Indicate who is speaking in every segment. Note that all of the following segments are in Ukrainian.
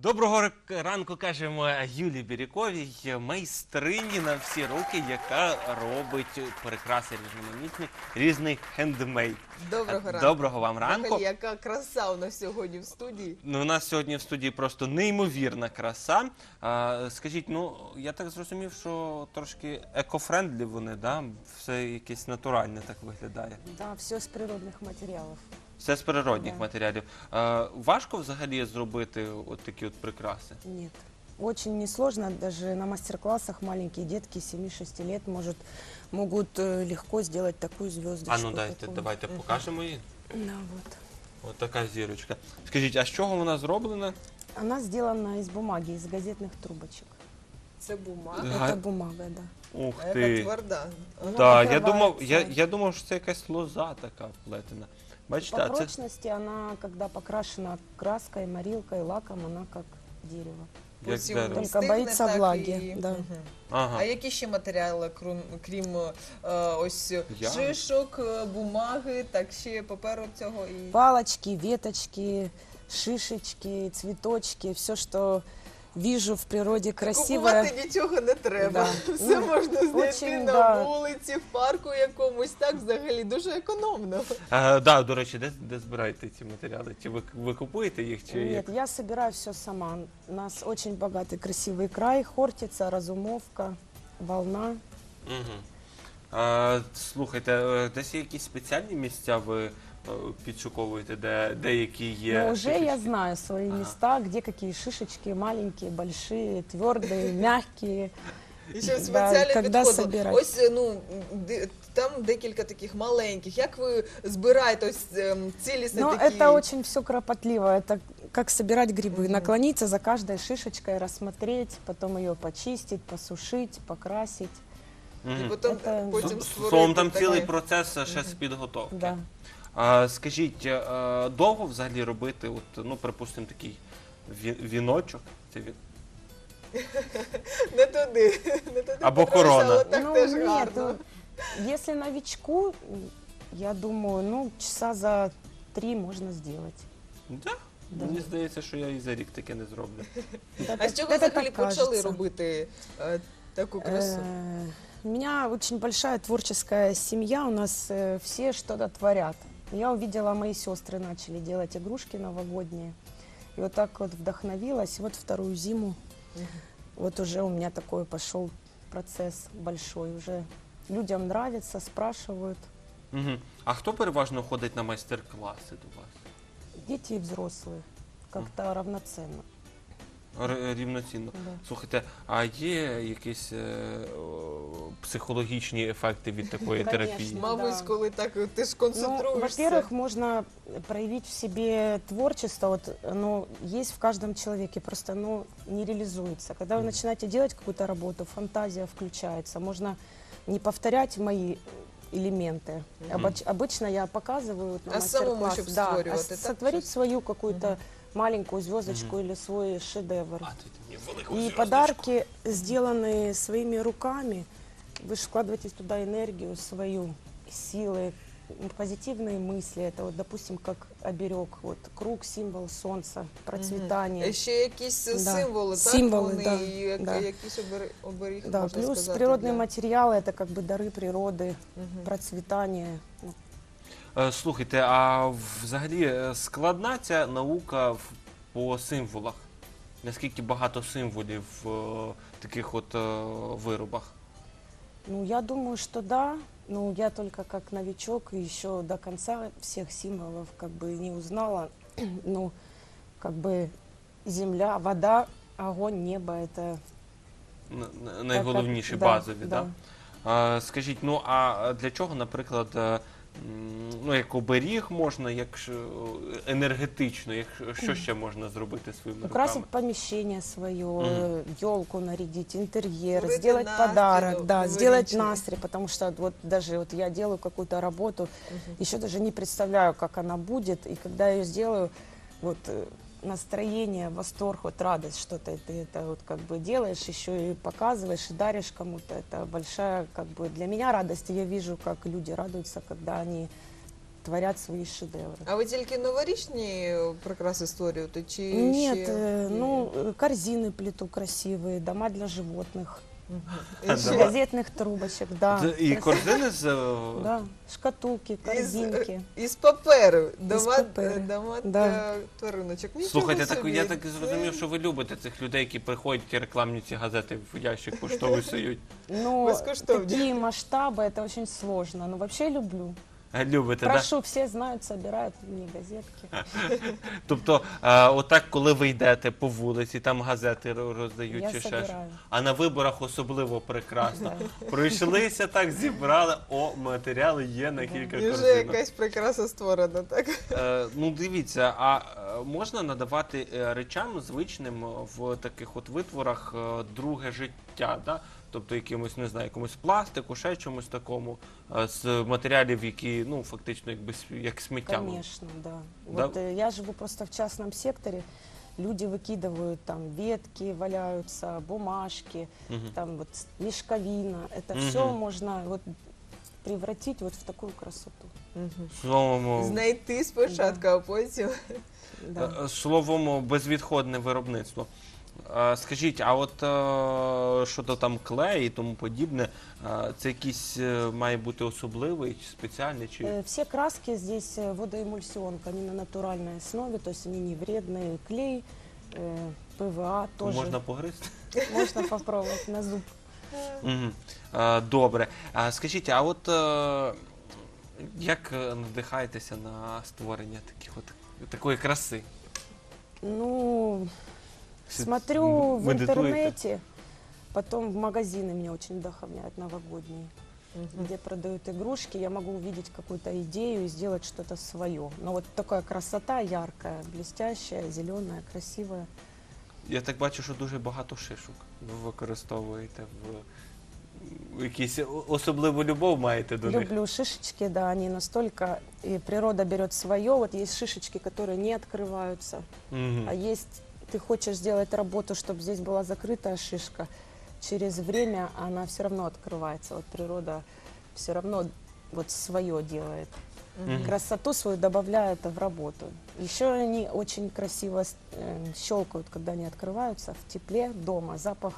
Speaker 1: Доброго ранку, кажемо Юлії Бірюковій, майстрині на всі руки, яка робить прикраси різноманітні, різний хендмейд.
Speaker 2: Доброго ранку.
Speaker 1: Доброго вам ранку.
Speaker 2: Взагалі, яка краса у нас сьогодні в студії.
Speaker 1: Ну, у нас сьогодні в студії просто неймовірна краса. Скажіть, ну, я так зрозумів, що трошки екофрендлі вони, да? Все якесь натуральне так виглядає.
Speaker 3: Да, все с природных материалов.
Speaker 1: Все з природних
Speaker 3: Да.
Speaker 1: матеріалів. Важко взагалі зробити от такі от прикраси?
Speaker 3: Нет. Очень несложно, даже на мастер-классах маленькие детки 7-6 лет могут легко сделать такую звездочку.
Speaker 1: А ну давайте покажемо її.
Speaker 3: Да, вот.
Speaker 1: Ось така зірочка. Скажіть, а з чого вона зроблена?
Speaker 3: Она сделана из бумаги, из газетных трубочек.
Speaker 2: Це бумага.
Speaker 1: Га-
Speaker 3: Это бумага, да.
Speaker 1: Ух
Speaker 2: Яка
Speaker 1: ти.
Speaker 2: тверда.
Speaker 3: Вона
Speaker 1: Так,
Speaker 3: покривається.
Speaker 1: я думав, що це якась лоза така плетена. Бачите,
Speaker 3: По
Speaker 1: а це
Speaker 3: прочности она, когда покрашена краской, морилкой, лаком, она как дерево.
Speaker 1: як
Speaker 2: Потім
Speaker 1: дерево.
Speaker 3: Только
Speaker 2: стигне,
Speaker 3: боїться
Speaker 2: так
Speaker 3: влаги,
Speaker 2: і-
Speaker 3: да.
Speaker 2: Мгм.
Speaker 1: Ага.
Speaker 2: А які ще матеріали, крім ось
Speaker 1: Я?
Speaker 2: шишок, бумаги, так ще паперу цього і...
Speaker 3: Палочки, веточки, шишечки, цветочки, все, что вижу в природе красивое.
Speaker 2: Купувати нічого не треба.
Speaker 3: Да.
Speaker 2: Все
Speaker 3: Ну,
Speaker 2: можна знайти
Speaker 3: очень,
Speaker 2: на
Speaker 3: да.
Speaker 2: вулиці, в парку якомусь. Так взагалі дуже економно.
Speaker 1: Да, до речі, де збираєте ці матеріали? Чи ви купуєте їх, чи
Speaker 3: Нет,
Speaker 1: як?
Speaker 3: я собираю все сама. У нас очень богатый красивый край, Хортица, Разумовка, Волна.
Speaker 1: Угу. Слухайте, десь є якісь спеціальні місця ви підшуковуєте, де деякі є?
Speaker 3: Но уже я
Speaker 1: шишечки?
Speaker 3: знаю свои
Speaker 1: Ага.
Speaker 3: места, где какие шишечки, маленькие, большие, твердые, мягкие.
Speaker 2: І ще
Speaker 3: Да,
Speaker 2: спеціальний
Speaker 3: когда
Speaker 2: підход.
Speaker 3: собирать.
Speaker 2: Ось там декілька таких маленьких. Як ви збираєте ось цілісні
Speaker 3: Но
Speaker 2: такі?
Speaker 3: это очень все кропотливо. Это как собирать грибы.
Speaker 2: Мгм.
Speaker 3: Наклониться за каждой шишечкой, рассмотреть, потом ее почистить, посушить, покрасить.
Speaker 2: І
Speaker 1: Мгм.
Speaker 2: потім,
Speaker 3: Це-
Speaker 2: потім
Speaker 1: Словом, там
Speaker 2: таке.
Speaker 1: цілий процес ще з підготовки.
Speaker 3: Да.
Speaker 1: Скажіть, довго взагалі робити, от, ну, припустимо, такий віночок? Це
Speaker 2: Не туди. Не туди
Speaker 1: Або
Speaker 2: Петруся,
Speaker 1: корона.
Speaker 2: але так
Speaker 3: Ну,
Speaker 2: теж
Speaker 3: нет,
Speaker 2: гарно.
Speaker 3: если новичку, я думаю, ну, часа за 3 можно сделать.
Speaker 1: Да?
Speaker 3: Да.
Speaker 1: Мені здається, що я і за рік таке не зроблю.
Speaker 2: А з чого
Speaker 3: Это
Speaker 2: взагалі
Speaker 3: так
Speaker 2: почали
Speaker 3: кажется.
Speaker 2: робити таку красу?
Speaker 3: У меня очень большая творческая семья, у нас все что-то творят. Я увидела, мои сестры начали делать игрушки новогодние. И вот так вот вдохновилась. Вот вторую зиму, вот уже у меня такой пошел процесс большой. Уже людям нравится, спрашивают.
Speaker 1: Угу. А хто переважно ходить на майстер-класи до вас?
Speaker 3: Дети и взрослые. Как-то равноценно.
Speaker 1: Рівноцінно.
Speaker 3: Да.
Speaker 1: Слухайте, а є якісь психологічні ефекти від такої
Speaker 3: Конечно.
Speaker 1: терапії?
Speaker 2: Мабуть,
Speaker 3: да.
Speaker 2: коли так ти ж
Speaker 3: Ну,
Speaker 2: концентруєшся.
Speaker 3: во-первых, можно проявить в себе творчество. Вот оно есть в каждом человеке, просто оно не реализуется. Когда вы начинаете делать какую-то работу, фантазия включается. Можно не повторять мои элементы. Обычно я показываю вот на
Speaker 2: А самому,
Speaker 3: мастер-класс,
Speaker 2: чтоб
Speaker 3: да,
Speaker 2: створювати, так,
Speaker 3: сотворить
Speaker 2: щось?
Speaker 3: свою какую-то маленькую звездочку или свой шедевр.
Speaker 1: А, ти мені велику
Speaker 3: И
Speaker 1: зв'язочку.
Speaker 3: подарки, сделанные своими руками, вы же вкладываете туда энергию свою, силы, позитивные мысли. Это вот, допустим, как оберег, вот круг, символ солнца, процветания.
Speaker 2: Ще якісь
Speaker 3: Да.
Speaker 2: символи, так?
Speaker 3: Символи,
Speaker 2: Вони,
Speaker 3: да,
Speaker 2: і
Speaker 3: да.
Speaker 2: якісь оберіг,
Speaker 3: Да,
Speaker 2: можна
Speaker 3: плюс
Speaker 2: сказати.
Speaker 3: природные
Speaker 2: для-
Speaker 3: материалы, это как бы дары природы,
Speaker 2: Мгм.
Speaker 3: процветание. Ну,
Speaker 1: Слухайте, а взагалі складна ця наука по символах? Наскільки багато символів в таких от виробах?
Speaker 3: Ну, я думаю, что да. Ну, я только как новичок и еще до конца всех символов как бы не узнала. Ну, как бы земля, вода, огонь, небо — это
Speaker 1: Найголовніші,
Speaker 3: да,
Speaker 1: базові,
Speaker 3: да.
Speaker 1: так? Скажіть, ну а для чого, наприклад, ну, як оберіг можна, як енергетично, що ще можна зробити своїми
Speaker 3: Украсить
Speaker 1: руками?
Speaker 3: помещение свое,
Speaker 1: Мгм.
Speaker 3: елку нарядить, интерьер,
Speaker 2: Створить
Speaker 3: сделать
Speaker 2: настрой,
Speaker 3: подарок, да, сделать
Speaker 2: новорічний.
Speaker 3: настрой, потому что вот даже вот я делаю какую-то работу,
Speaker 2: Мгм.
Speaker 3: еще даже не представляю, как она будет, и когда я ее сделаю, вот настроение, восторг, вот радость, что-то ты это вот как бы делаешь, еще и показываешь, и даришь кому-то, это большая как бы для меня радость, и я вижу, как люди радуются, когда они творят свои шедевры.
Speaker 2: А ви тільки новорічні прикраси створюєте? Чи
Speaker 3: Нет,
Speaker 2: ще...
Speaker 3: корзины плету красивые, дома для животных,
Speaker 2: Мгм.
Speaker 1: А,
Speaker 2: І ще-
Speaker 1: дома?
Speaker 3: газетных трубочек, да.
Speaker 1: Це і
Speaker 3: красивые.
Speaker 1: корзини з...
Speaker 3: Да, шкатулки, корзинки.
Speaker 2: Із паперу. Дома,
Speaker 3: паперу.
Speaker 2: дома
Speaker 3: Да.
Speaker 2: для твариночок. Нічого
Speaker 1: Слухайте, так,
Speaker 2: собі.
Speaker 1: я так зрозумів, що ви любите цих людей, які приходять і рекламні ці газети в ящик поштовий сують.
Speaker 3: Но
Speaker 2: Безкоштовно.
Speaker 3: такие масштабы, это очень сложно. Но вообще люблю.
Speaker 1: Любите, так?
Speaker 3: Прошу, все знают, собирают мне газетки.
Speaker 1: Тобто, отак, коли ви йдете по вулиці, там газети роздають
Speaker 3: Я
Speaker 1: чи ще щось.
Speaker 3: собираю.
Speaker 1: А на виборах особливо прекрасно.
Speaker 3: Да.
Speaker 1: Пройшлися так, зібрали, матеріали є на
Speaker 3: Да.
Speaker 1: кілька
Speaker 2: І вже
Speaker 1: корзинок.
Speaker 2: якась прикраса створена, так?
Speaker 1: Ну, дивіться, а можна надавати речам звичним в таких от витворах друге життя, да? Тобто якимось, не знаю, якомусь пластику, ще чомусь такому, з матеріалів, які, ну, фактично, якби як сміття.
Speaker 3: Конечно, да.
Speaker 1: Да?
Speaker 3: Вот я живу просто в частном секторе. Люди выкидывают там ветки, валяются, бумажки,
Speaker 1: Мгм.
Speaker 3: там вот мешковина. Это
Speaker 1: Мгм.
Speaker 3: все можно вот превратить вот в такую красоту.
Speaker 1: Словом,
Speaker 2: Знайти спочатку, а потім...
Speaker 3: Да.
Speaker 1: словом, безвідходне виробництво. Скажіть, а от щодо там клею і тому подібне, це якийсь має бути особливий чи спеціальний? Чи...
Speaker 3: Все краски здесь водоэмульсионка, они на натуральной основе, то есть они не вредные. Клей, ПВА тоже.
Speaker 1: Можна погризти?
Speaker 3: Можно попробовать на зуб.
Speaker 1: Мгм. Добре. Скажіть, а от як надихаєтеся на створення такої краси?
Speaker 3: Ну,
Speaker 1: Си-
Speaker 3: смотрю в
Speaker 1: медитуете?
Speaker 3: интернете, потом в магазины меня очень вдохновляют новогодние, где продают игрушки. Я могу увидеть какую-то идею и сделать что-то свое. Но вот такая красота яркая, блестящая, зеленая, красивая.
Speaker 1: Я так бачу, що дуже багато шишок ви використовуєте в якісь особливу любов маєте до них.
Speaker 3: Люблю шишечки, да, они настолько, и природа берет свое. Вот есть шишечки, которые не открываются,
Speaker 1: Мгм.
Speaker 3: а есть, ты хочешь сделать работу, чтобы здесь была закрытая шишка, через время она все равно открывается. Вот природа все равно вот свое делает.
Speaker 1: Мгм.
Speaker 3: Красоту свою добавляет в работу. Еще они очень красиво щелкают, когда они открываются в тепле дома. Запах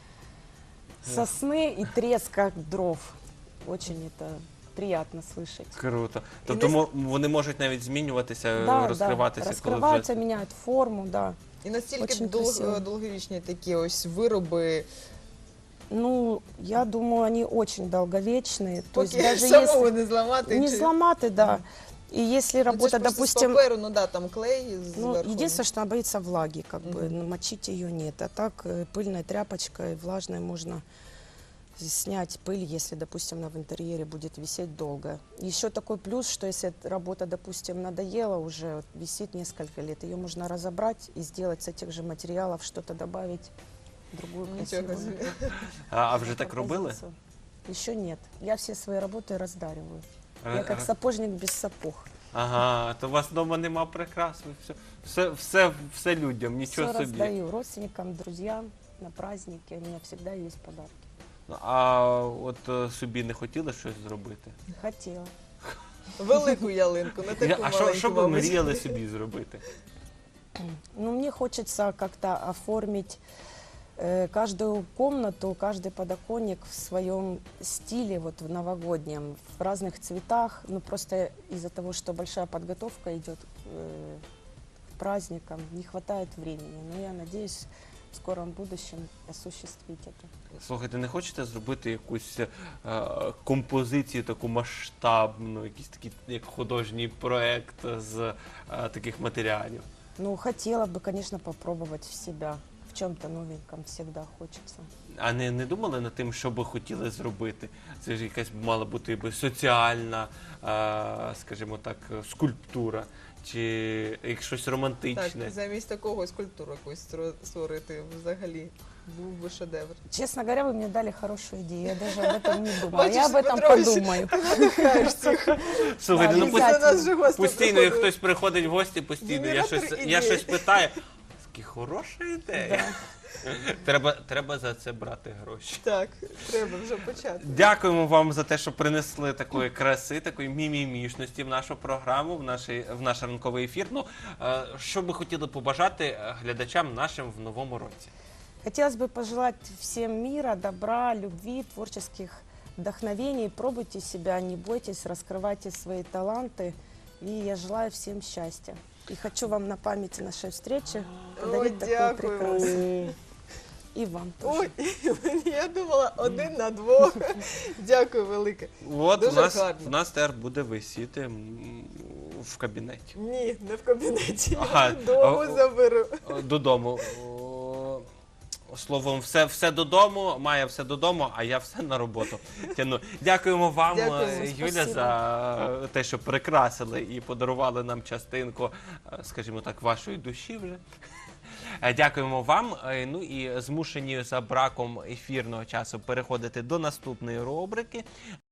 Speaker 3: сосны и треска дров. Очень это приятно слышать.
Speaker 1: Круто. Тобто вони можуть навіть змінюватися,
Speaker 3: Да,
Speaker 1: розкриватися,
Speaker 3: да,
Speaker 1: коли
Speaker 3: раскрываются,
Speaker 1: вже...
Speaker 3: меняют форму, да.
Speaker 2: І настільки
Speaker 3: Очень красиво.
Speaker 2: довговічні такі ось вироби,
Speaker 3: Ну, я думаю, они очень долговечные. То есть
Speaker 2: поки
Speaker 3: даже
Speaker 2: самого
Speaker 3: если
Speaker 2: не зламати.
Speaker 3: не
Speaker 2: чи-
Speaker 3: сломаты, да. И если
Speaker 2: Ну, це
Speaker 3: работа,
Speaker 2: ж просто
Speaker 3: допустим,
Speaker 2: з паперу, ну да, там клей
Speaker 3: ну,
Speaker 2: зверху.
Speaker 3: единственное, что она боится влаги, как бы,
Speaker 2: Мгм.
Speaker 3: но мочить ее нет. А так пыльной тряпочкой влажной можно снять пыль, если, допустим, она в интерьере будет висеть долго. Еще такой плюс, что если эта работа, допустим, надоела уже, вот висит несколько лет, ее можно разобрать и сделать с этих же материалов что-то добавить, другую
Speaker 2: Нічого
Speaker 3: красивую
Speaker 2: собі.
Speaker 1: А вже так робили?
Speaker 3: композицию. Еще нет. Я все свои работы раздариваю. Я
Speaker 1: Ре-
Speaker 3: как сапожник без сапог.
Speaker 1: Ага, то у вас вдома нема прикрас, ви все людям, нічого
Speaker 3: Все
Speaker 1: собі.
Speaker 3: раздаю родственникам, друзьям на праздники. У меня всегда есть подарки.
Speaker 1: А от собі не хотіли щось зробити?
Speaker 3: Хотела.
Speaker 2: Велику ялинку, не таку
Speaker 1: А
Speaker 2: маленьку,
Speaker 1: що ви
Speaker 2: мабуть.
Speaker 1: мріяли собі зробити?
Speaker 3: Ну, мне хочется как-то оформить каждую комнату, каждый подоконник в своем стиле, вот в новогоднем, в разных цветах. Ну, просто из-за того, что большая подготовка идет к праздникам, не хватает времени. Но я надеюсь в скором будущем осуществить это.
Speaker 1: Слухайте, не хочете зробити якусь композицію таку масштабну, якийсь такий як художній проект з таких матеріалів?
Speaker 3: Ну, хотела бы, конечно, попробовать в себя. В чем-то новеньком всегда хочется.
Speaker 1: А не думали над тим, що би хотіли зробити? Це ж якась мала бути якби соціальна, скажімо так, скульптура, чи як щось
Speaker 2: Так,
Speaker 1: романтичне.
Speaker 2: замість такого скульптуру якусь створити взагалі. Був би шедевр.
Speaker 3: Честно говоря, вы мне дали хорошую идею. Я даже об этом не думала.
Speaker 2: Бачиш,
Speaker 3: Я об этом
Speaker 2: Петрович,
Speaker 3: подумаю.
Speaker 2: Надихаєш всіх.
Speaker 1: Слухайте,
Speaker 3: Да,
Speaker 1: ну
Speaker 3: обязательно.
Speaker 2: До нас же гості
Speaker 1: постійно, як
Speaker 2: приходили.
Speaker 1: хтось приходить в гості, постійно я
Speaker 2: Генератор
Speaker 1: щось
Speaker 2: ідей.
Speaker 1: питаю. Такі хороша ідея. Треба за це брати гроші.
Speaker 2: Так, треба вже почати.
Speaker 1: Дякуємо вам за те, що принесли такої краси, такої мімімішності в нашу програму, в наш ранковий ефір. Ну, що би хотіли побажати глядачам нашим в новому році?
Speaker 3: Хотелось бы пожелать всем мира, добра, любви, творческих вдохновений. Пробуйте себя, не бойтесь, раскрывайте свои таланты. И я желаю всем счастья. И хочу вам на памяти нашей встречи подарить такой
Speaker 2: дякую.
Speaker 3: прекрасный. И вам тоже.
Speaker 2: Ой, я думала 1 на 2. Дякую велике.
Speaker 1: От
Speaker 2: Дуже
Speaker 1: в
Speaker 2: гарно.
Speaker 1: нас тепер буде висіти в кабінеті.
Speaker 2: Ні, не в кабінеті.
Speaker 1: Ага.
Speaker 2: Я додому заберу.
Speaker 1: Додому. Словом, все додому, Майя все додому, а я все на роботу тяну. Дякуємо вам,
Speaker 2: Дякуємо,
Speaker 1: Юля,
Speaker 3: спасибо.
Speaker 1: за те, що прикрасили і подарували нам частинку, скажімо так, вашої душі вже. Дякуємо вам. Ну і змушені за браком ефірного часу переходити до наступної рубрики.